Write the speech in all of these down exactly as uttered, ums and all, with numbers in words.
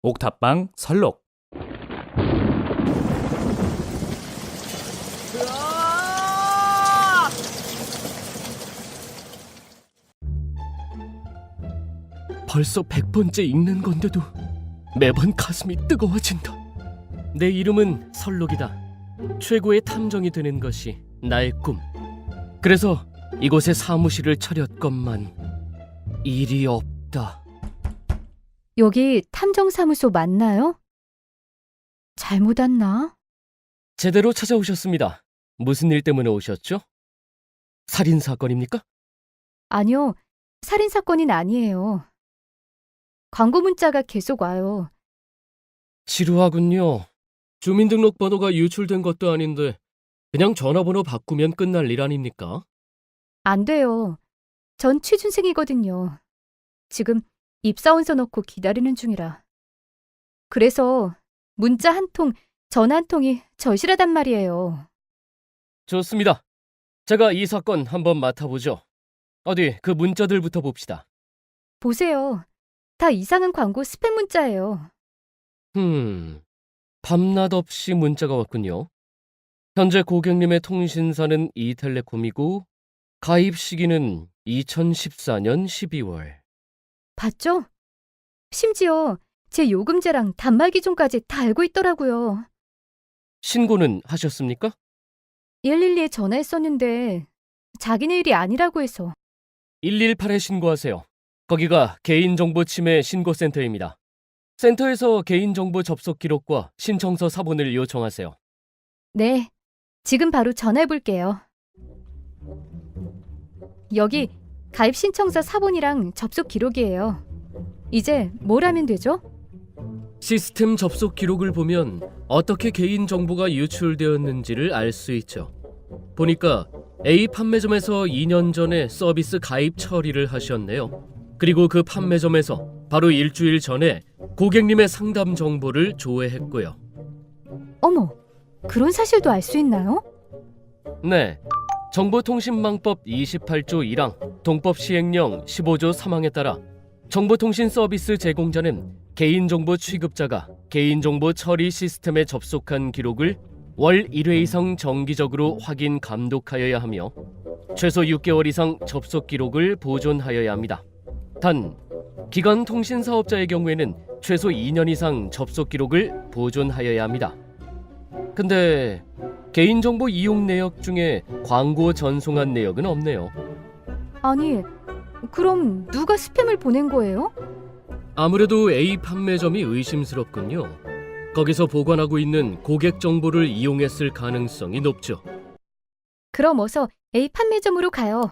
옥탑방 설록. 벌써 백 번째 읽는 건데도 매번 가슴이 뜨거워진다. 내 이름은 설록이다. 최고의 탐정이 되는 것이 나의 꿈. 그래서 이곳에 사무실을 차렸건만 일이 없다. 여기 탐정사무소 맞나요? 잘못 왔나? 제대로 찾아오셨습니다. 무슨 일 때문에 오셨죠? 살인 사건입니까? 아니요, 살인사건은 아니에요. 광고 문자가 계속 와요. 지루하군요. 주민등록번호가 유출된 것도 아닌데 그냥 전화번호 바꾸면 끝날 일 아닙니까? 안 돼요. 전 취준생이거든요. 지금 입사원서 넣고 기다리는 중이라. 그래서 문자 한 통, 전화 한 통이 절실하단 말이에요. 좋습니다. 제가 이 사건 한번 맡아보죠. 어디 그 문자들부터 봅시다. 보세요. 다 이상한 광고 스팸 문자예요. 흠, 밤낮 없이 문자가 왔군요. 현재 고객님의 통신사는 이텔레콤이고 가입 시기는 이천십사 년 십이월. 봤죠? 심지어 제 요금제랑 단말기종까지 다 알고 있더라고요. 신고는 하셨습니까? 일일이에 전화했었는데 자기네 일이 아니라고 해서. 일일팔에 신고하세요. 거기가 개인정보 침해 신고센터입니다. 센터에서 개인정보 접속 기록과 신청서 사본을 요청하세요. 네, 지금 바로 전화해볼게요. 여기 가입 신청서 사본이랑 접속 기록이에요. 이제 뭘 하면 되죠? 시스템 접속 기록을 보면 어떻게 개인정보가 유출되었는지를 알 수 있죠. 보니까 A 판매점에서 이 년 전에 서비스 가입 처리를 하셨네요. 그리고 그 판매점에서 바로 일주일 전에 고객님의 상담 정보를 조회했고요. 어머, 그런 사실도 알 수 있나요? 네, 정보통신망법 이십팔 조 일 항, 동법 시행령 십오 조 삼 항에 따라 정보통신 서비스 제공자는 개인정보 취급자가 개인정보 처리 시스템에 접속한 기록을 월 일 회 이상 정기적으로 확인 감독하여야 하며 최소 육 개월 이상 접속 기록을 보존하여야 합니다. 단, 기관 통신 사업자의 경우에는 최소 이 년 이상 접속 기록을 보존하여야 합니다. 근데 개인정보 이용 내역 중에 광고 전송한 내역은 없네요. 아니, 그럼 누가 스팸을 보낸 거예요? 아무래도 A 판매점이 의심스럽군요. 거기서 보관하고 있는 고객 정보를 이용했을 가능성이 높죠. 그럼 어서 A 판매점으로 가요.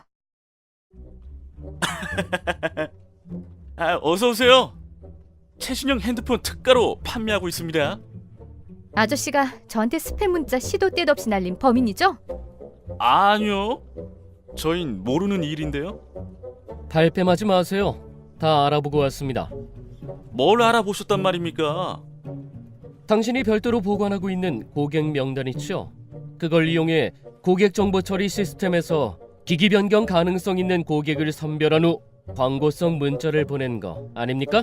아, 어서 오세요. 최신형 핸드폰 특가로 판매하고 있습니다. 아저씨가 저한테 스팸 문자 시도 때도 없이 날린 범인이죠? 아니요. 저흰 모르는 일인데요. 발뺌하지 마세요. 다 알아보고 왔습니다. 뭘 알아보셨단 말입니까? 당신이 별도로 보관하고 있는 고객 명단 있죠? 그걸 이용해 고객 정보 처리 시스템에서 기기 변경 가능성 있는 고객을 선별한 후 광고성 문자를 보낸 거 아닙니까?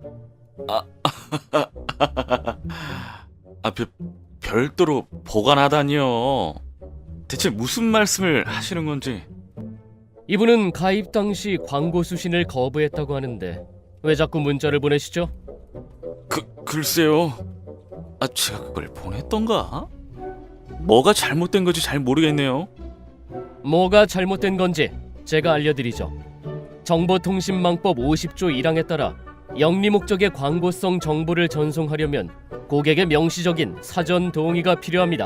아, 별, 별도로 보관하다니요. 대체 무슨 말씀을 하시는 건지. 이분은 가입 당시 광고 수신을 거부했다고 하는데 왜 자꾸 문자를 보내시죠? 그, 글쎄요. 아, 제가 그걸 보냈던가? 뭐가 잘못된 건지 잘 모르겠네요. 뭐가 잘못된 건지 제가 알려드리죠. 정보통신망법 오십 조 일 항에 따라 영리 목적의 광고성 정보를 전송하려면 고객의 명시적인 사전 동의가 필요합니다.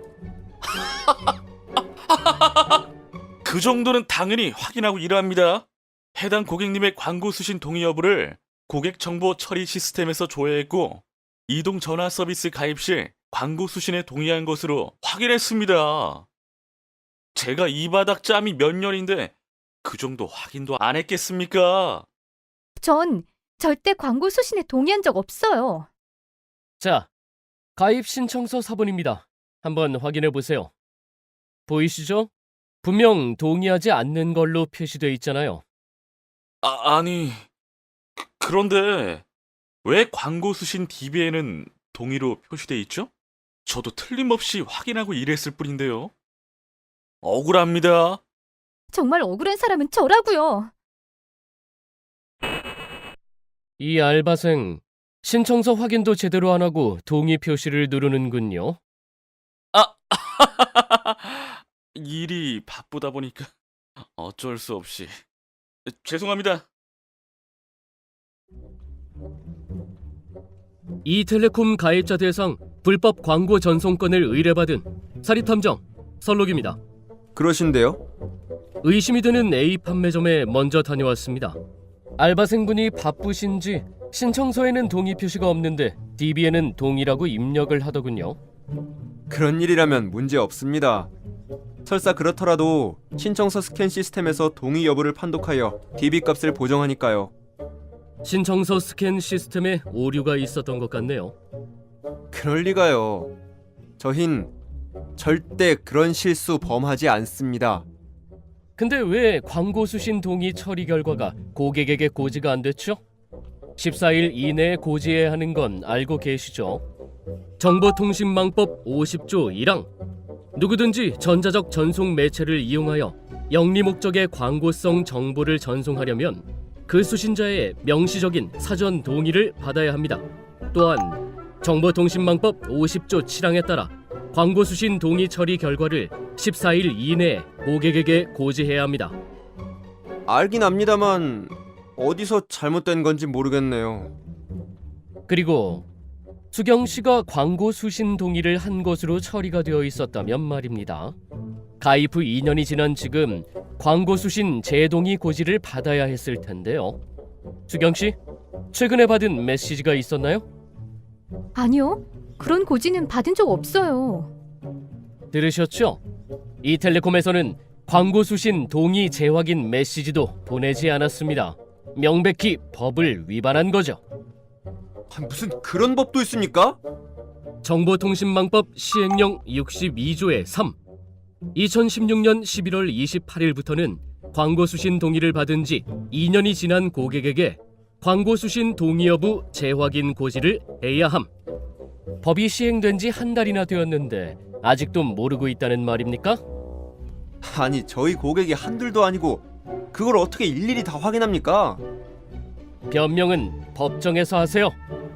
그 정도는 당연히 확인하고 일합니다. 해당 고객님의 광고 수신 동의 여부를 고객 정보 처리 시스템에서 조회했고 이동 전화 서비스 가입 시 광고 수신에 동의한 것으로 확인했습니다. 제가 이 바닥 짬이 몇 년인데 그 정도 확인도 안 했겠습니까? 전 절대 광고 수신에 동의한 적 없어요. 자, 가입 신청서 사본입니다. 한번 확인해 보세요. 보이시죠? 분명 동의하지 않는 걸로 표시되어 있잖아요. 아, 아니 그, 그런데 왜 광고 수신 디비에는 동의로 표시돼 있죠? 저도 틀림없이 확인하고 일했을 뿐인데요. 억울합니다. 정말 억울한 사람은 저라고요. 이 알바생 신청서 확인도 제대로 안 하고 동의 표시를 누르는군요. 아, 일이 바쁘다 보니까 어쩔 수 없이. 죄송합니다. 이텔레콤 가입자 대상 불법 광고 전송권을 의뢰받은 사립탐정 설록입니다. 그러신데요? 의심이 드는 A 판매점에 먼저 다녀왔습니다. 알바생분이 바쁘신지 신청서에는 동의 표시가 없는데 디비에는 동의라고 입력을 하더군요. 그런 일이라면 문제 없습니다. 설사 그렇더라도 신청서 스캔 시스템에서 동의 여부를 판독하여 디비 값을 보정하니까요. 신청서 스캔 시스템에 오류가 있었던 것 같네요. 그럴 리가요. 저흰 절대 그런 실수 범하지 않습니다. 근데 왜 광고 수신 동의 처리 결과가 고객에게 고지가 안 됐죠? 십사 일 이내에 고지해야 하는 건 알고 계시죠? 정보통신망법 오십조 일항 누구든지 전자적 전송 매체를 이용하여 영리 목적의 광고성 정보를 전송하려면 그 수신자의 명시적인 사전 동의를 받아야 합니다. 또한 정보통신망법 오십조 칠항에 따라 광고 수신 동의 처리 결과를 십사 일 이내에 고객에게 고지해야 합니다. 알긴 압니다만 어디서 잘못된 건지 모르겠네요. 그리고 수경 씨가 광고 수신 동의를 한 것으로 처리가 되어 있었다면 말입니다. 가입 후 이 년이 지난 지금 광고 수신 재동의 고지를 받아야 했을 텐데요. 수경 씨, 최근에 받은 메시지가 있었나요? 아니요. 그런 고지는 받은 적 없어요. 들으셨죠? 이텔레콤에서는 광고 수신 동의 재확인 메시지도 보내지 않았습니다. 명백히 법을 위반한 거죠. 아, 무슨 그런 법도 있습니까? 정보통신망법 시행령 육십이조의 삼 이천십육 년 십일월 이십팔일부터는 광고 수신 동의를 받은 지 이 년이 지난 고객에게 광고 수신 동의 여부 재확인 고지를 해야 함. 법이 시행된 지 한 달이나 되었는데 아직도 모르고 있다는 말입니까? 아니 저희 고객이 한둘도 아니고 그걸 어떻게 일일이 다 확인합니까? 변명은 법정에서 하세요.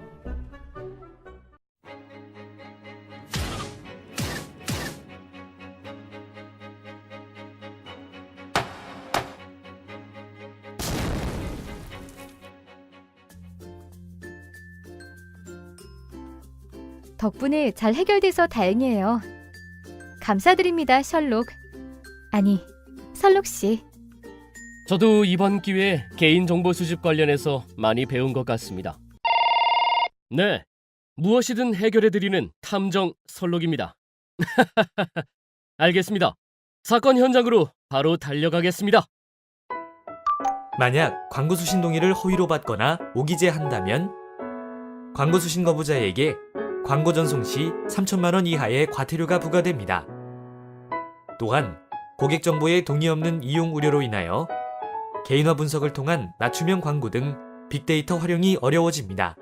덕분에 잘 해결돼서 다행이에요. 감사드립니다, 셜록. 아니, 설록 씨. 저도 이번 기회에 개인정보 수집 관련해서 많이 배운 것 같습니다. 네, 무엇이든 해결해드리는 탐정 설록입니다. 알겠습니다. 사건 현장으로 바로 달려가겠습니다. 만약 광고 수신 동의를 허위로 받거나 오기재한다면 광고 수신 거부자에게 광고 전송 시 삼천만 원 이하의 과태료가 부과됩니다. 또한 고객 정보의 동의 없는 이용 우려로 인하여 개인화 분석을 통한 맞춤형 광고 등 빅데이터 활용이 어려워집니다.